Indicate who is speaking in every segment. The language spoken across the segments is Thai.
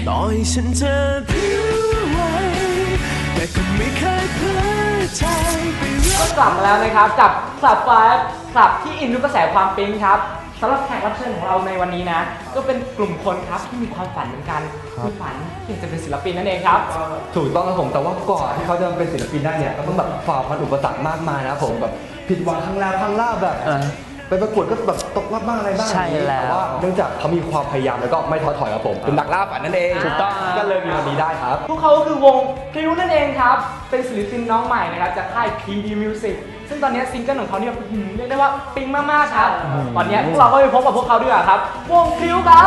Speaker 1: ต่อให้ฉันจะผิวไหวแต่ก็ไม่เคยเผลอใจไป
Speaker 2: ก็กลับมาแล้วนะครับกับคลับไฟคลับที่อินทุกกระแสความปิ๊งครับสำหรับแขกรับเชิญของเราในวันนี้นะก็เป็นกลุ่มคนครับที่มีความฝันเหมือนกันคือฝันที่จะเป็นศิลปินนั่นเองครับ
Speaker 3: ถูกต้องครับผมแต่ว่าก่อนที่เขาจะเป็นศิลปินได้เนี่ยก็ต้องแบบฝ่าฟันอุปสรรคมากมายนะผมแบบผิดหวังครั้งแล้วครั้งล่าแบบไปประกวดก็แบบตกรอบบ้างอะไรบ้างใช่แล้วแต่ว่าเนื่องจากเขามีความพยายามแล้วก็ไม่ท้อถอยครับผมเป็นนักล่าฝันนั่นเองถูกต้องก็เลยมีวันนี้ได้ครับ
Speaker 2: พวกเขาก็คือวงพริ้วนั่นเองครับเป็นศิลปินน้องใหม่นะครับจากค่าย PD Music ซึ่งตอนนี้ซิงเกิลของเขาเนี่ยเรียกได้ว่าปิ๊งมากๆครับตอนนี้พวกเราก็ไปพบกับพวกเขาด้วยครับวงพริ้วครับ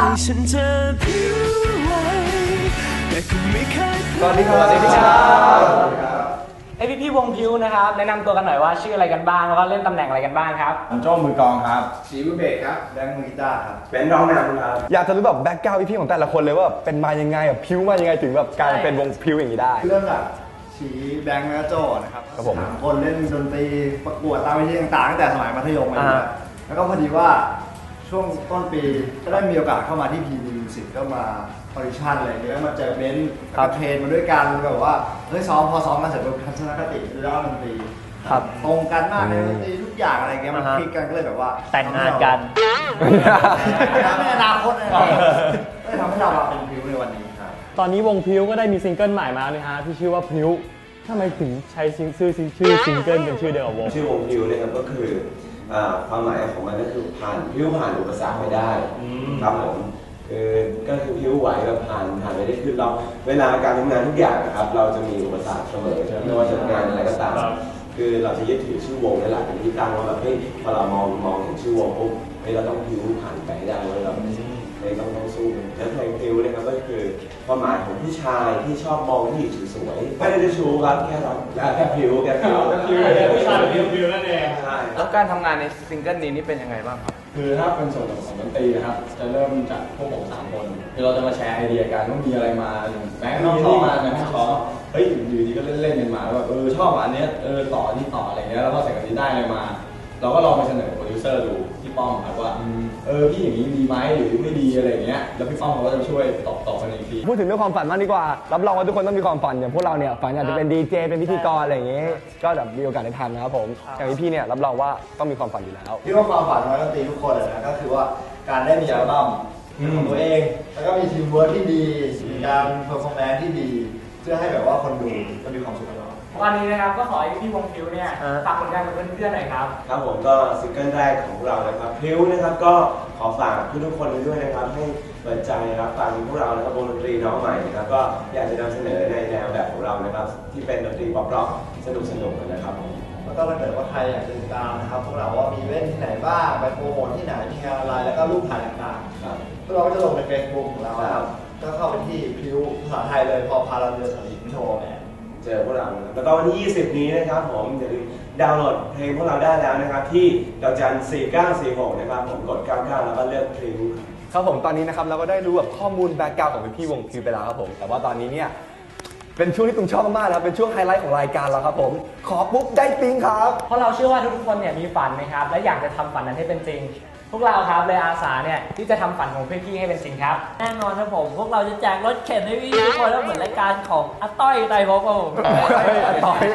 Speaker 3: สวัสดีครับสวัสดีครับ
Speaker 2: ไอพี่วงพิวนะครับแนะนำตัวกันหน่อยว่าชื่ออะไรกันบ้างแล้วก็เล่นตำแหน่งอะไรกันบ้างครับ
Speaker 4: โจ้มือกลองครับ
Speaker 5: สีมือเบสครับแบงค์มือกีตาร์ครับ
Speaker 4: เป็นร้องนำครับ
Speaker 3: อยากจะรู้แบบแบ็คกราวด์พี่ของแต่ละคนเลยว่าเป็นมายังไงแบบพิวมายังไงถึงแบบกลายเป็นวงพิวอย่างนี้ได้
Speaker 5: เรื่องจากสีแบงค์และโจ้นะครับสามคนเล่นดนตรีประกวดตามเวทีต่างๆตั้งแต่สมัยมัธยมมาเลยแล้วก็พอดีว่าช่วงต้นปีก็ได้มีโอกาสเข้ามาที่ PD Music ก็มาออดิชั่นอะไรอย่างเงี้ยมาเจอเบนซ์กับเทรนมาด้วยกันแบบว่าเฮ้ยพอซ้อมมาเสร็จทัศนคติเรื่องดนตรีตรงกันมากในดนตรีทุกอย่างอะไรเงี้ยมันคลิกกันก็เลยแบบว่า
Speaker 2: แต่งงานกัน
Speaker 5: ในอนาคตเลยก็ทำให้เราเป็นพิวในวันนี้ครับ
Speaker 6: ตอนนี้วงพิวก็ได้มีซิงเกิลใหม่มาแล้วนะฮะที่ชื่อว่าพิวทำไมถึงใช้ชื่อซิงเกิลเป็นชื่อเดียวกับวง
Speaker 4: ชื่อวงพิวนะครับก็คือความหมายของมันก็คือพิวผ่านอุปสรรคไปได้ครับผมก็คือพิวไหวแบบผ่านไปได้คือเราเวลาการทำงานทุกอย่างนะครับเราจะมีอุปสรรคเสมอไม่ว่าจะงานอะไรก็ตามคือเราจะยึดถือชื่อวงนี่แหละเป็นที่ตั้งว่าแบบเฮ้ยพอเรามองเห็นชื่อวงปุ๊บเฮ้ยเราต้องพิวผ่านไปให้ได้ว่าเราต้องสู้แล้วเพลงพิวนะครับก็คือความหมายของผู้ชายที่ชอบมองผู้หญิงสวยๆไม่ได้จะชูครับแค่พิว
Speaker 6: ผู้ชายพิวนั่นเอง
Speaker 4: ใช่
Speaker 2: แล้วการทำงานในซิงเกิลนี้นี่เป็นยังไงบ้างครับ
Speaker 6: คือถ้าเป็นส่วนของดนตรีนะครับจะเริ่มจากพวกผม3 คนคือเราจะมาแชร์ไอเดียกันว่ามีอะไรมาแบงค์น้องชอบมาแบงค์ชอบเฮ้ยอยู่ดีก็เล่นกันมาว่าชอบอันนี้ต่อนี่ต่ออะไรเงี้ยแล้วก็ใส่กันนี้ได้อะไรมาเราก็ลองไปเสนอโปรดิวเซอร์ดูพี่ป้อมครับว่าพี่อย่างนี้ดีไหมหรือไม่ดีอะไรเงี้ยแล้วพี่ป้อมเขาก็จะช่วยตอบกันอีกที
Speaker 3: พูดถึงเรื่องความฝันมากดีกว่ารับรองว่าทุกคนต้องมีความฝันอย่างพวกเราเนี่ยฝันอยากจะเป็นดีเจเป็นพิธีกรอะไรอย่างงี้ก็แบบมีโอกาสได้ทำนะครับผมอย่างพี่เนี่ยรับรองว่าต้องมีความฝันอยู่แล้ว
Speaker 5: ที่ว่าความฝันของนักดนตรีทุกคนเลยนะก็คือว่าการได้มีอัลบั้มของตัวเองแล้วก็มีทีมเวิร์คที่ดีมีการเพอร์ฟอร์แมนซ์ที่ดีเพื่อให้แบบว่าคนดูจะมีความสุขกับเรา
Speaker 2: วันนี้นะครับก็ขอให้พี่วงพิวเนี่ยฝากผลงานกับเพื่อนๆหน่อยครับ
Speaker 4: ครับผมก็ซิงเกิลแรกของเรานะครับพิวนะครับก็ขอฝากทุกคนด้วยนะครับให้เปิดใจรับฟังพวกเรานะครับวงดนตรีน้องใหม่นะครับก็อยากจะนำเสนอในแนวแบบของเรานะครับที่เป็นดนตรีป๊อปร็อกสนุกนะครับ
Speaker 5: แล้วก็ถ้าเกิดว่าใครอยากติดตามนะครับพวกเราว่ามีเล่นที่ไหนบ้างไปโปรโมทที่ไหนมีงานอะไรแล้วก็รูปถ่ายต่างๆพวกเราก็จะลงใน Facebook ของเราครับก็เข้าไปที่พิวภาษาไทยเลยพอพาเราเดินสลิงโชว์แมน
Speaker 4: เจอพวกเราแล้วก็วันที่ 20 นี้นะครับผมอย่าลืมดาวน์โหลดเพลงพวกเราได้แล้วนะครับที่ดาวจัน 4946 นะครับผมกด 99 แล้วก็เลือกเพลง
Speaker 3: ครับผมตอนนี้นะครับเราก็ได้รู้แบบข้อมูลแบ็คกราวด์ของพี่วงพิวไปแล้วครับผมแต่ว่าตอนนี้เนี่ยเป็นช่วงที่ตุ้มชอบมากนะครับเป็นช่วงไฮไลท์ของรายการเราครับผมขอปุ๊บได้ปิ๊งครับ
Speaker 2: เพราะเราเชื่อว่าทุกคนเนี่ยมีฝันนะครับและอยากจะทำฝันนั้นให้เป็นจริงพวกเราครับเลยอาสาเนี่ยที่จะทำฝันของพี่ๆให้เป็นจริงครับ
Speaker 7: แน่นอนครับผมพวกเราจะแจกรถเข็นให้พี่ทุกคนแล้วเหมือนรายการของอาต้อยไตรภพครับผม
Speaker 3: ต่อย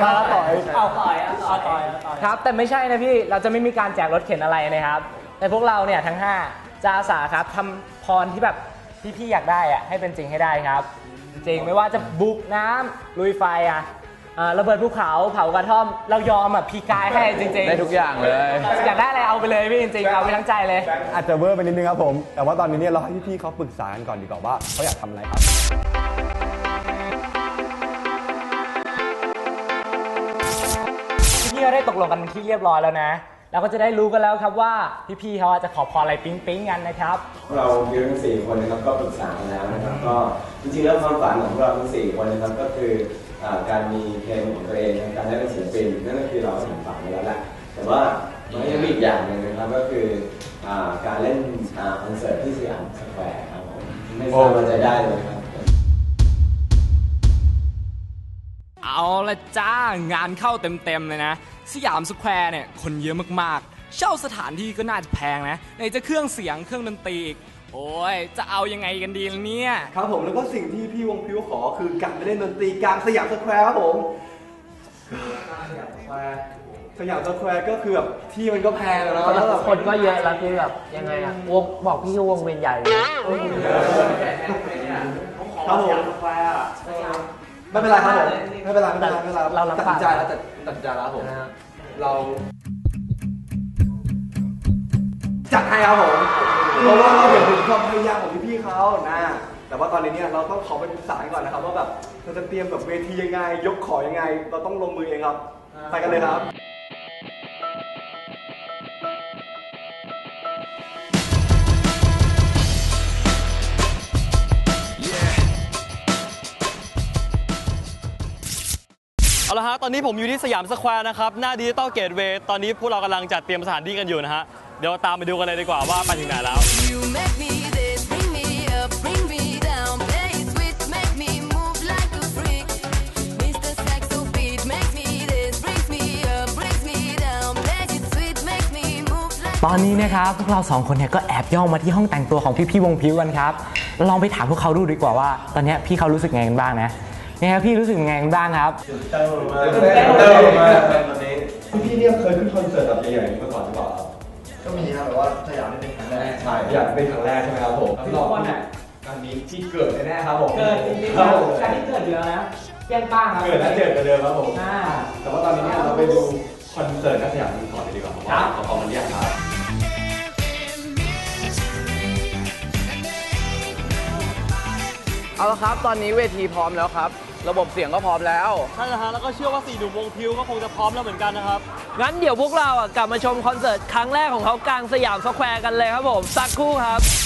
Speaker 2: ครับแต่ไม่ใช่นะพี่เราจะไม่มีการแจกรถเข็นอะไรนะครับแต่พวกเราเนี่ยทั้ง5จะอาสาครับทำพรที่แบบพี่ๆอยากได้อะให้เป็นจริงให้ได้ครับจริงไม่ว่าจะบุกน้ำลุยไฟระเบิดภูเขาเผากระท่อมเรายอมพี่กายให้จริงๆ
Speaker 3: ได้ทุกอย่างเลย
Speaker 2: อยากได้อะไรเอาไปเลยพี่จริงๆเอาไปทั้งใจเลย
Speaker 3: อาจจะเวอร์ไปนิดนึงครับผมแต่ว่าตอนนี้เนี่ยเราให้พี่ๆเขาปรึกษากันก่อนดีกว่าว่าเขาอยากทำอะไรครับ
Speaker 2: พี่ๆก็ได้ตกลงกันที่เรียบร้อยแล้วนะเราก็จะได้รู้กันแล้วครับว่าพี่ๆเขาจะขอพรอะไรปิ๊งๆกันนะครับ
Speaker 4: เราพิวทั้ง4 คนนะครับก็ปรึกษากันแล้วนะครับก็จริงๆแล้วความฝันของเราทั้ง4 คนนะครับก็คือการมีเพลงของตัวเองการได้เป็นศิลปินนั่นก็คือเราถึงฝันไปแล้วแหละแต่ว่ามันยังมีอีกอย่างหนึ่งนะครับก็คือการเล่นคอนเสิร์ตที่สยามสแควร์ครับผมไม่ทราบว่าจะได้เลยครับ
Speaker 2: เอาละจ้างานเข้าเต็มๆเลยนะสยามสแควร์เนี่ยคนเยอะมากๆเช่าสถานที่ก็น่าจะแพงนะไหนจะเครื่องเสียงเครื่องดนตรีอีกโอ้ยจะเอายังไงกันดีล่ะเนี่ย
Speaker 3: ครับผมแล้วก็สิ่งที่พี่วงพิ้วขอคือการไปเล่นดนตรีกลางสยามสแควร์ครับผมสยามสแควร์ก็คือแบบที่มันก็แพงแล้วแล้วแบบ
Speaker 8: คนก็เยอะแล้วคือแบบยังไงอะวงบอกพี่วงเวียนใหญ่เลย
Speaker 3: ครับผมไม่เป็นไรครับผมไม่เป็นไร
Speaker 8: เรารับ
Speaker 3: ตัดสินใจแล้วตัดสินใจแล้วผมเราจัดให้ครับผมเพราะว่าเราเห็นถึงความพยายามของพี่ๆเขานะแต่ว่าตอนนี้เนี่ยเราต้องขอไปปรึกษาก่อนนะครับว่าแบบเราจะเตรียมแบบเวทียังไงยกของยังไงเราต้องลงมือเองครับไปกันเลยครับ
Speaker 9: เอาละฮะตอนนี้ผมอยู่ที่สยามสแควร์นะครับหน้าดิจิตอลเกตเวย์ตอนนี้พวกเรากำลังจัดเตรียมสถานที่กันอยู่นะฮะเดี๋ยวตามไปดูกันเลยดีกว่าว่าไปถึงไหนแล้ว
Speaker 10: You make me this, bring me up, bring me down, play it sweet, make me move like a freak. Mr. Saxo beat, make me this, brings me up, brings me down, play it sweet, make me move like.
Speaker 2: ตอนนี้นะครับพวกเรา2คนเนี่ยก็แอบย่องมาที่ห้องแต่งตัวของพี่ๆวงพิ้วกันครับลองไปถามพวกเขาดูดีกว่าว่าตอนนี้พี่เขารู้สึกไงกันบ้างนะเนี่ยครับพี่รู้สึกไงกันบ้างครับ
Speaker 4: เต้มาตอนนี้พี่เนี่ยเคยขึ้นคอนเสิร์ตแบบใหญ่ๆมาก่อนหรือเปล่าครับ
Speaker 5: ก็มีครับแต่ว่าสยามนี่เป็นครั้งแรก
Speaker 3: ใช่อยากเป็นครั้งแรกใช่ไหมครับผม
Speaker 2: ทุกคนอ่ะ
Speaker 3: การนี้ที่เกิดแน่ๆครับผม
Speaker 2: เกิดจริงๆครับการที่เกิดอยู่แล้วนะเปี้ยงป้างครับ
Speaker 3: เกิดแล้วเจอกันเดิมครับผม
Speaker 2: อ่า
Speaker 3: แต่ว่าตอนนี้เนี่ยเราไปดูคอนเสิร์ตนักสยามกันก่อนเลยดีกว่าครับว่าเขามันเรียกครับเอาละครับตอนนี้เวทีพร้อมแล้วครับระบบเสียงก็พร้อมแล้ว
Speaker 9: ใช่แล้วฮะแล้วก็เชื่อว่า4หนุ่มวงพิวก็คงจะพร้อมแล้วเหมือนกันนะครับ
Speaker 8: งั้นเดี๋ยวพวกเราอ่ะกลับมาชมคอนเสิร์ตครั้งแรกของเขากลางสยามสแควร์กันเลยครับผมสักครู่ครับ